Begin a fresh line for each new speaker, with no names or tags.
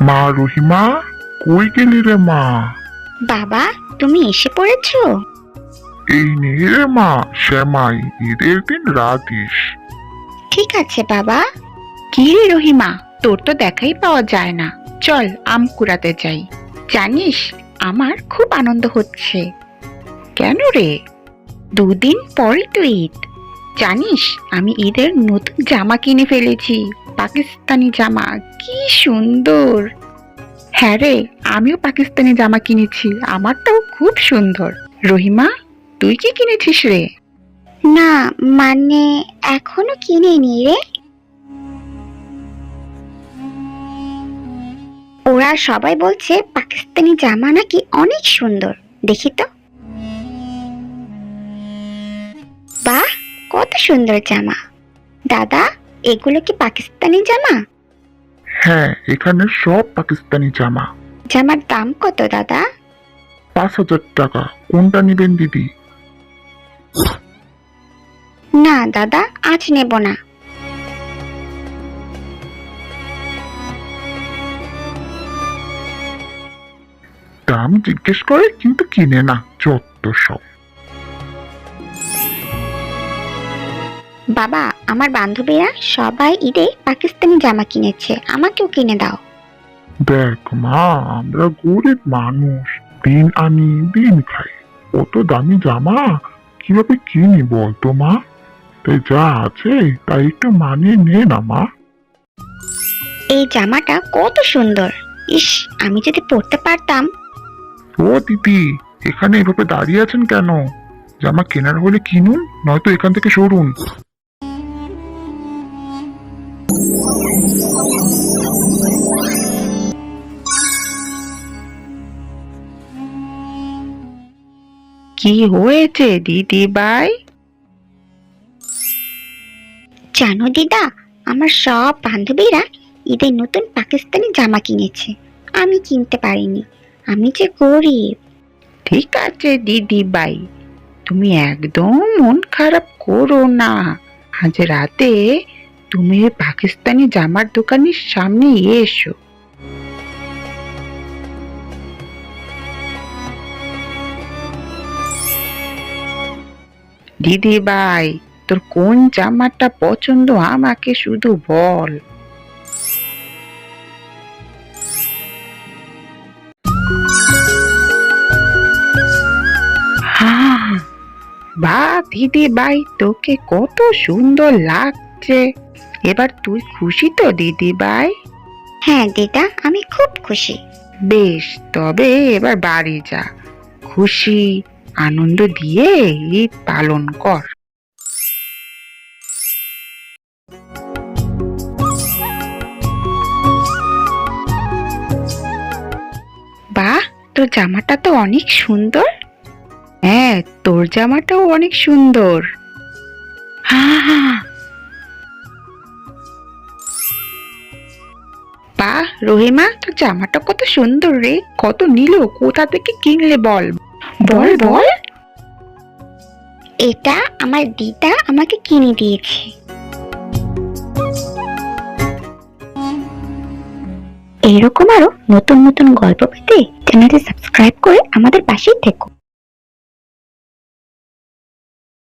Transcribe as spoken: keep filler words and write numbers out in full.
মা রহিমা, কই গেলি রে মা?
বাবা, তুমি এসে পড়েছো?
এই নে রে মা শ্যামাই, ঈদের দিন রাঁধিস।
ঠিক আছে বাবা।
কি রে রহিমা, তোর তো দেখাই পাওয়া যায় না। চল আম কুড়াতে যাই। জানিস, আমার খুব আনন্দ হচ্ছে। কেন রে? দুদিন পরই তো ঈদ। জানিস, আমি ঈদের নতুন জামা কিনে ফেলেছি, পাকিস্তানি জামা। কি সুন্দর! হ্যাঁ রে, আমিও পাকিস্তানি জামা কিনেছি, আমারটাও খুব সুন্দর। রহিমা, তুই কি কিনেছিস রে?
না, মানে এখনো কিনিনি রে। ওরা সবাই বলছে পাকিস্তানি জামা নাকি অনেক সুন্দর, দেখি তো। বাহ, কত সুন্দর জামা! দাদা, এগুলো কি পাকিস্তানি জামা?
হ্যাঁ, এখানে সব পাকিস্তানি জামা।
জামার দাম কত দাদা?
পাঁচ হাজার টাকা। কোনটা নিবেন দিদি?
না দাদা, আজ নেব না।
দাম জিজ্ঞেস করে কিন্তু কিনে না, যত সব।
বাবা, আমার বান্ধবীরা সবাই ঈদে পাকিস্তানি জামা কিনেছে, আমাকেও কিনে দাও।
দেখ মা, আমরা গরিব মানুষ, দিন আনি দিন খাই। অত দামি জামা কিভাবে কিনি বলতো মা? তাই যা আছে তাই একটু মানিয়ে নে না মা।
এই জামাটা কত সুন্দর! ইস, আমি যদি পরতে পারতাম।
ও দিদি, এখানে এভাবে দাঁড়িয়ে আছেন কেন? জামা কেনার হলে কিনুন, নয়তো এখান থেকে সরুন।
কি হয়েছে দিদি ভাই?
জানো দিদা, আমার সব বান্ধবীরা ঈদে নতুন পাকিস্তানি জামা কিনেছে, আমি কিনতে পারিনি। আমি যে গরিব।
ঠিক আছে দিদি ভাই, তুমি একদম মন খারাপ করো না। আজ রাতে তুমি ওই পাকিস্তানি জামার দোকানের সামনে এসো। দিদি ভাই, তোর কোন জামাটা পছন্দ আমাকে শুধু বল। হ্যাঁ, বা দিদি ভাই, তোকে কত সুন্দর লাগছে। এবার তুই খুশি তো দিদি ভাই?
হ্যাঁ দিদা, আমি খুব খুশি।
বেশ, তবে এবার বাড়ি যা, খুশি আনন্দ দিয়ে ঈদ পালন কর। বাহ, তোর জামাটা তো অনেক সুন্দর। হ্যাঁ, তোর জামাটাও অনেক সুন্দর। হ্যাঁ হ্যাঁ। বাহ রহিমা, তোর জামাটা কত সুন্দর রে। কত নিল? কোথা থেকে কিনলে বল বল বল।
এটা আমার দিদা আমাকে কিনে দিয়েছে। এরকম আরো নতুন নতুন গল্প পেতে চ্যানেলটি সাবস্ক্রাইব করে আমাদের পাশেই থেকো।